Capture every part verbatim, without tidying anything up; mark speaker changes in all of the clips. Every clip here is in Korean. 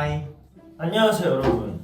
Speaker 1: 하이.
Speaker 2: 안녕하세요 여러분.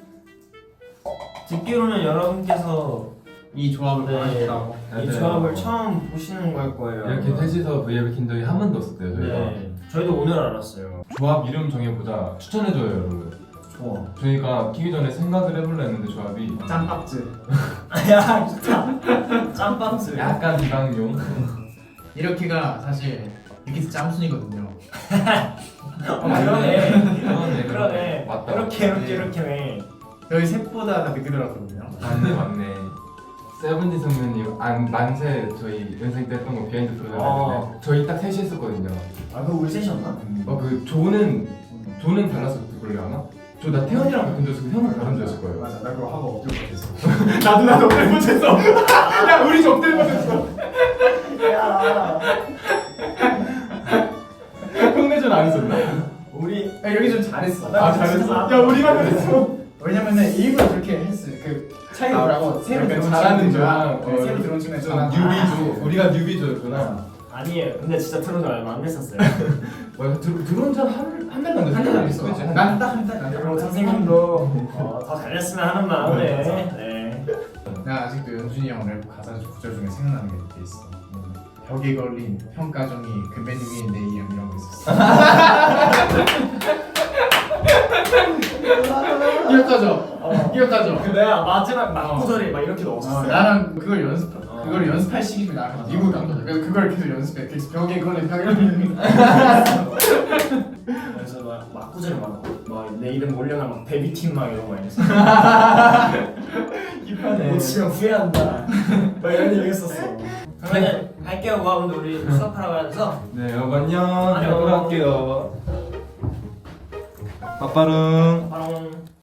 Speaker 2: 듣기로는 여러분께서
Speaker 1: 이 조합을
Speaker 2: 네,
Speaker 1: 원하셨다고.
Speaker 2: 이 조합을 처음 보시는 걸 거예요.
Speaker 3: 이렇게 셋이서 브이앱을 킨 적이 한 번도 없었대요 저희가.
Speaker 2: 네, 저희도 오늘 알았어요.
Speaker 3: 조합 이름 정해보자 추천해줘요 여러분.
Speaker 2: 좋아.
Speaker 3: 저희가 키기 전에 생각을 해볼라 했는데 조합이
Speaker 1: 짬밥즈.
Speaker 2: 야 진짜 짬밥스.
Speaker 3: 약간 비방용.
Speaker 1: 이렇게가 사실 이렇게 짬순이거든요.
Speaker 2: 어, 그러네.
Speaker 3: 그러네
Speaker 2: 그러네.
Speaker 3: 맞다.
Speaker 2: 이렇게 이렇게 이렇게네.
Speaker 1: 저희 셋보다 다 늦게 들어왔거든요.
Speaker 3: 맞네 맞네. 세븐틴 선배님 안 만세 저희 연생 때 했던 거 비하인드 프로그램
Speaker 2: 어.
Speaker 3: 했는데 저희 딱 셋이 했었거든요.
Speaker 2: 아 그거 우리 셋이었나?
Speaker 3: 어그 조는 조는 달라서 그걸로 아마? 저 나 태연이랑 같은 조였고 형은 다른 조였을 거예요.
Speaker 1: 맞아, 나 그거 하고 엎드려 못했어. 나도 나도 엎드려 못했어. 야, 우리 좀 엎드려 못했어.
Speaker 2: 야
Speaker 1: 형네전 안 했었나?
Speaker 2: 우리
Speaker 1: 야, 여기 좀 잘했어.
Speaker 2: 나
Speaker 1: 아,
Speaker 2: 진짜
Speaker 1: 잘했어.
Speaker 2: 안
Speaker 1: 야, 우리만 잘했어. 왜냐면은 일부러 그렇게 했어. 그 차이가 뭐라고 새로
Speaker 3: 약간
Speaker 1: 들어온
Speaker 3: 잘하는
Speaker 1: 친구랑
Speaker 3: 조랑,
Speaker 1: 네, 새로 들어온 친구랑
Speaker 3: 좀
Speaker 1: 저랑
Speaker 3: 뉴비조. 우리가 뉴비조였구나.
Speaker 2: 아니에요. 근데 진짜 들어온 지 얼마 안 됐었어요.
Speaker 3: 뭐 들 들어온 지한한 달도 안 됐어.
Speaker 1: 한달 안 했어. 난 딱 한 달. 난
Speaker 2: 그리고 선생님도 어, 더 잘했으면 하는 마음에. 네.
Speaker 1: 나 아직도 연준이 형 랩 가사 구절 중에 생각나는 게 몇 개 있어. 음, 벽에 걸린 평가종이 금맨 위에 내 이름 이런 거 있었어. 기억하죠?
Speaker 2: 어.
Speaker 1: 기억하죠?
Speaker 2: 그 내가 마지막
Speaker 1: 어.
Speaker 2: 막구절에 막 이렇게
Speaker 1: 어,
Speaker 2: 넣었었어.
Speaker 1: 나랑 그걸 연습,
Speaker 2: 어.
Speaker 1: 그걸 연습할 시기에 나랑 미국 간 거야. 그래서 그걸 계속 연습해. 그래서 벽에 걸린 벽에 걸린.
Speaker 2: 그래서 막 막구절에 막막내 이름 올려놔 막 데뷔팀 막 이런 거 했어. 못 치면 후회한다. 막 이런 얘기 했었어. 그러면 갈게요. 고아분들 우리 수업하러 가야 돼서.
Speaker 3: 네 여러분 안녕.
Speaker 2: 안녕.
Speaker 3: 잘 들어갈게요. 빠빠릉.
Speaker 2: 바로.